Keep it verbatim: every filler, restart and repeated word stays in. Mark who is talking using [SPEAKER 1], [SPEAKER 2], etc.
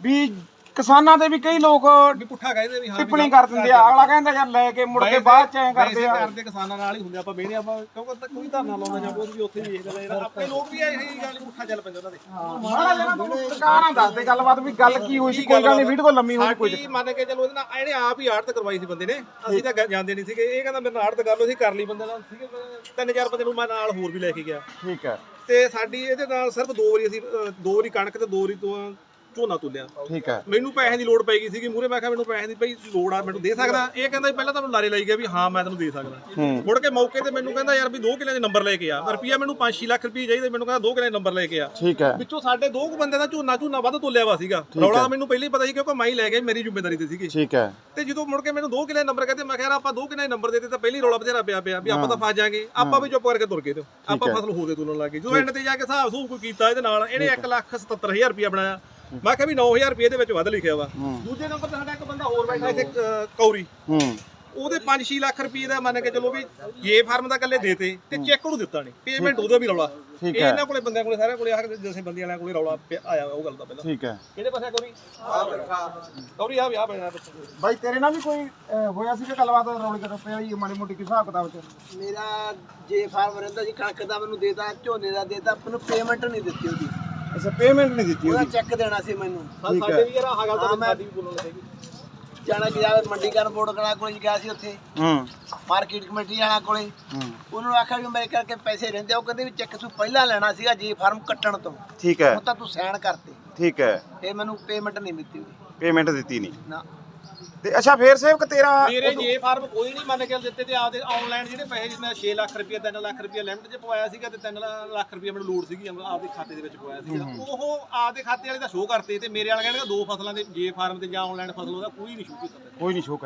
[SPEAKER 1] ਵੀ ਕਿਸਾਨਾਂ ਦੇ ਵੀ ਕਈ ਲੋਕ
[SPEAKER 2] ਪੁੱਠਾ ਕਹਿੰਦੇ ਵੀ ਹਾਂ
[SPEAKER 1] ਟਿੱਪਣੀ ਕਰ ਦਿੰਦੇ ਆ। ਅਗਲਾ ਕਹਿੰਦਾ ਯਾਰ ਲੈ ਕੇ ਮੁੜ ਕੇ ਬਾਅਦ ਚ ਐ ਕਰਦੇ ਆ।
[SPEAKER 2] ਕਰਦੇ ਕਿਸਾਨਾਂ ਨਾਲ ਹੀ ਹੁੰਦੇ ਆਪਾਂ ਬਹਿਣੇ ਆਪਾਂ ਕਿਉਂਕਿ ਕੋਈ ਧਰਨਾ ਲਾਉਂਦਾ ਜਾਂ ਕੋਈ ਵੀ ਉੱਥੇ ਵੀ ਇਹ ਗੱਲ ਆਪਣੇ ਲੋਕ ਵੀ ਇਹੀ ਗੱਲ ਪੁੱਠਾ ਚੱਲ ਪੈਂਦੇ ਉਹਨਾਂ ਦੇ।
[SPEAKER 1] ਮਾੜਾ ਜਿਹਾ ਤੂੰ ਸਰਕਾਰਾਂ ਦੱਸ ਦੇ ਗੱਲਬਾਤ ਵੀ ਗੱਲ ਕੀ ਹੋਈ ਸੀ। ਕੋਈ ਗੱਲ ਨਹੀਂ ਵੀਡੀਓ ਲੰਮੀ ਹੋਈ ਕੋਈ
[SPEAKER 2] ਸਾਡੀ ਮੰਨ ਕੇ ਚਲੋ ਇਹਦੇ ਨਾਲ ਇਹਨੇ ਆਪ ਹੀ ਆੜਤ ਕਰਵਾਈ ਸੀ ਬੰਦੇ ਨੇ। ਅਸੀਂ ਤਾਂ ਜਾਂਦੇ ਨਹੀਂ ਸੀਗੇ। ਇਹ ਕਹਿੰਦਾ ਮੇਰੇ ਨਾਲ ਆੜਤ ਕਰ ਲਓ। ਅਸੀਂ ਕਰ ਲਈ ਬੰਦੇ ਨਾਲ ਸੀਗੇ ਤਿੰਨ ਚਾਰ ਬੰਦੇ ਨੂੰ ਮੈਂ ਨਾਲ ਹੋਰ ਵੀ ਲੈ ਕੇ ਗਿਆ।
[SPEAKER 1] ਠੀਕ ਹੈ।
[SPEAKER 2] ਤੇ ਸਾਡੀ ਇਹਦੇ ਨਾਲ ਸਿਰਫ ਦੋ ਵਾਰੀ ਅਸੀਂ ਦੋ ਵਾਰੀ ਕਣਕ ਤੇ ਦੋ ਵਾਰੀ ਤੋਂ ਝੋਨਾ ਤੁਲਿਆ।
[SPEAKER 1] ਠੀਕ ਹੈ।
[SPEAKER 2] ਮੈਨੂੰ ਪੈਸੇ ਦੀ ਲੋੜ ਪੈ ਗਈ ਸੀਗੀ ਮੂਹਰੇ। ਮੈਂ ਕਿਹਾ ਮੈਨੂੰ ਪੈਸੇ ਦੀ ਭਾਈ ਲੋੜ ਆ ਮੈਨੂੰ ਦੇ ਸਕਦਾ। ਇਹ ਕਹਿੰਦਾ ਪਹਿਲਾਂ ਤੁਹਾਨੂੰ ਲਾਰੇ ਲਾਈ ਗਿਆ ਵੀ ਹਾਂ ਮੈਂ ਤੈਨੂੰ ਦੇ ਸਕਦਾ। ਮੁੜ ਕੇ ਮੌਕੇ ਤੇ ਮੈਨੂੰ ਕਹਿੰਦਾ ਯਾਰ ਵੀ ਦੋ ਕਿੱਲੇ ਦੇ ਨੰਬਰ ਲੈ ਕੇ ਆ। ਰੁਪਈਆ ਮੈਨੂੰ ਪੰਜ ਛੇ ਲੱਖ ਰੁਪਏ ਚਾਹੀਦਾ। ਮੈਨੂੰ ਕਹਿੰਦਾ ਦੋ ਕਿੱਲੇ ਦੇ ਨੰਬਰ ਲੈ ਕੇ ਆ।
[SPEAKER 1] ਠੀਕ ਹੈ।
[SPEAKER 2] ਵਿੱਚੋਂ ਸਾਡੇ ਦੋ ਕੁ ਬੰਦੇ ਦਾ ਝੋਨਾ ਝੋਨਾ ਵੱਧ ਤੋਲਿਆ ਵਾ ਸੀਗਾ। ਰੌਲਾ ਮੈਨੂੰ ਪਹਿਲਾਂ ਹੀ ਪਤਾ ਸੀ ਕਿਉਂਕਿ ਮੈਂ ਹੀ ਲੈ ਗਿਆ ਮੇਰੀ ਜ਼ਿੰਮੇਵਾਰੀ ਤੇ ਸੀਗੀ।
[SPEAKER 1] ਠੀਕ ਹੈ।
[SPEAKER 2] ਤੇ ਜਦੋਂ ਮੁੜ ਕੇ ਮੈਨੂੰ ਦੋ ਕਿੱਲੇ ਨੰਬਰ ਕਹਿੰਦੇ ਮੈਂ ਕਿਹਾ ਆਪਾਂ ਦੋ ਕਿੱਲੇ ਨੰਬਰ ਦੇ ਦਿੱਤੇ ਤਾਂ ਪਹਿਲੀ ਰੌਲਾ ਬਥੇਰਾ ਪਿਆ ਪਿਆ ਵੀ ਆਪਾਂ ਤਾਂ ਫਸ ਜਾਾਂਗੇ। ਆਪਾਂ ਵੀ ਚੁੱਪ ਕਰਕੇ ਤੁਰ ਗਏ ਤੇ ਆਪਾਂ ਫਸਲ ਹੋ ਦੇ ਤੁਲਣ ਲੱਗ ਗਏ। ਜਦੋਂ ਐਂਡ ਤੇ ਜਾ ਕੇ ਹਿਸਾਬ ਸੂਬ ਕੋਈ ਕੀਤਾ ਇਹਦੇ ਨਾਲ ਇਹਨੇ ਇੱਕ ਲੱਖ ਸਤੱਤਰ ਹਜ਼ਾਰ ਰੁਪਇਆ ਬਣਾਇਆ। ਮੈਂ ਕਿਹਾ ਵੀ ਨੌ ਹਜ਼ਾਰ ਰੁਪਏ ਦੇ ਵਿੱਚ ਵੱਧ ਲਿਖਿਆ ਵਾ। ਦੂਜੇ ਨੰਬਰ ਤੇ ਸਾਡਾ ਇੱਕ ਬੰਦਾ ਹੋਰ ਬੈਠਾ ਇੱਥੇ ਕੌਰੀ ਉਹਦੇ ਪੰਜ ਛੇ ਲੱਖ ਰੁਪਏ ਦਾ ਮੰਨ ਕੇ ਚਲੋ ਵੀ ਜੇ ਫਾਰਮ ਦਾ ਇਕੱਲੇ ਦੇਤੇ ਤੇ ਚੈੱਕ ਉਹਨੂੰ ਦਿੱਤਾ ਨਹੀਂ। ਪੇਮੈਂਟ ਉਹਦਾ ਵੀ ਰੌਲਾ। ਇਹਨਾਂ ਕੋਲੇ ਬੰਦਿਆਂ ਕੋਲੇ ਸਾਰਿਆਂ ਕੋਲੇ ਆ ਜਿਵੇਂ ਬੰਦੀਆਂ ਵਾਲਿਆਂ ਕੋਲੇ ਰੌਲਾ ਆਇਆ ਉਹ ਗੱਲ ਦਾ ਪਹਿਲਾਂ।
[SPEAKER 1] ਠੀਕ ਹੈ।
[SPEAKER 2] ਕਿਹੜੇ ਪਾਸੇ ਕੌਰੀ ਕੌਰੀ ਆ ਵਿਆਹ ਪੈਣਾ
[SPEAKER 1] ਬਾਈ ਤੇਰੇ ਨਾਲ ਵੀ ਕੋਈ ਹੋਇਆ ਸੀ ਕਿ ਗੱਲਬਾਤ ਰੌਲੀ ਕਰ ਪਈ ਵਾਲੀ ਮਾੜੀ ਮੋਟੀ ਕਿਸ ਹਿਸਾਬ ਕਿਤਾਬ ਚ?
[SPEAKER 3] ਮੇਰਾ ਜੇ ਫਾਰਮ ਰਹਿੰਦਾ ਜੀ ਕਣਕ ਦਾ ਮੈਨੂੰ ਦੇਤਾ ਝੋਨੇ ਦਾ ਦੇਤਾ ਮੈਨੂੰ ਪੇਮੈਂਟ ਨਹੀਂ ਦਿੱਤੀ ਉਹਦੀ।
[SPEAKER 1] ਅੱਛਾ ਪੇਮੈਂਟ ਨਹੀਂ ਦਿੱਤੀ
[SPEAKER 3] ਉਹਦਾ
[SPEAKER 1] ਉਹਦੀ।
[SPEAKER 3] ਚੈੱਕ ਦੇਣਾ ਸੀ ਮੈਨੂੰ।
[SPEAKER 2] ਸਾਡੇ ਵੀ ਯਾਰ ਆਹ ਗੱਲ ਤਾਂ ਸਾਡੀ ਵੀ ਬੋਲਣ ਲੱਗੀ।
[SPEAKER 3] ਜਾਣਾ ਗਿਆ ਮੰਡੀਕਰਨ ਬੋਰਡ ਕਲਾ ਕੋਲੇ ਗਿਆ ਸੀ ਉੱਥੇ
[SPEAKER 1] ਹੂੰ
[SPEAKER 3] ਮਾਰਕੀਟ ਕਮੇਟੀ ਵਾਲਾ ਕੋਲੇ।
[SPEAKER 1] ਹੂੰ
[SPEAKER 3] ਉਹਨੂੰ ਆਖਿਆ ਵੀ ਮੇਰੇ ਕਰਕੇ ਪੈਸੇ ਰਹਿੰਦੇ। ਉਹ ਕਹਿੰਦੇ ਵੀ ਚੈੱਕ ਤੂੰ ਪਹਿਲਾਂ ਲੈਣਾ ਸੀਗਾ ਜੇ ਫਾਰਮ ਕੱਟਣ ਤੋਂ।
[SPEAKER 1] ਠੀਕ ਹੈ।
[SPEAKER 3] ਉਹ ਤਾਂ ਤੂੰ ਸਾਈਨ ਕਰਤੇ।
[SPEAKER 1] ਠੀਕ ਹੈ।
[SPEAKER 3] ਫੇਰ ਮੈਨੂੰ ਪੇਮੈਂਟ ਨਹੀਂ ਦਿੱਤੀ ਉਹਦੀ।
[SPEAKER 1] ਪੇਮੈਂਟ ਦਿੱਤੀ ਨਹੀਂ
[SPEAKER 3] ਨਾ।
[SPEAKER 1] ਤੇ ਅੱਛਾ ਫੇਰ ਸੇਵਕ ਤੇਰਾ
[SPEAKER 2] ਮੇਰੇ ਜੇ ਫਾਰਮ ਕੋਈ ਨਹੀਂ ਮੰਨ ਕੇ ਦਿੱਤੇ ਤੇ ਆਪਦੇ ਆਨਲਾਈਨ ਜਿਹੜੇ ਪੈਸੇ ਜਿਵੇਂ ਛੇ ਲੱਖ ਰੁਪਏ ਤਿੰਨ ਲੱਖ ਰੁਪਏ ਲਿਮਟ 'ਚ ਪਵਾਇਆ ਸੀਗਾ ਤੇ ਤਿੰਨ ਲੱਖ ਰੁਪਏ ਮੈਨੂੰ ਲੋੜ ਸੀਗੀ ਆਪਦੇ ਖਾਤੇ ਦੇ ਵਿੱਚ ਪਵਾਇਆ ਸੀਗਾ। ਉਹ ਆਪਦੇ ਖਾਤੇ ਵਾਲੇ ਦਾ ਸ਼ੋਅ ਕਰਤੇ ਤੇ ਮੇਰੇ ਵਾਲਾ ਕਹਿੰਦਾ ਦੋ ਫਸਲਾਂ ਦੇ ਜੇ ਫਾਰਮ ਤੇ ਜਾਂ ਆਨਲਾਈਨ ਫਸਲ ਉਹਦਾ ਕੋਈ ਨਹੀਂ ਸ਼ੋਅ ਕੀਤਾ।
[SPEAKER 1] ਕੋਈ ਨਹੀਂ ਸ਼ੋਅ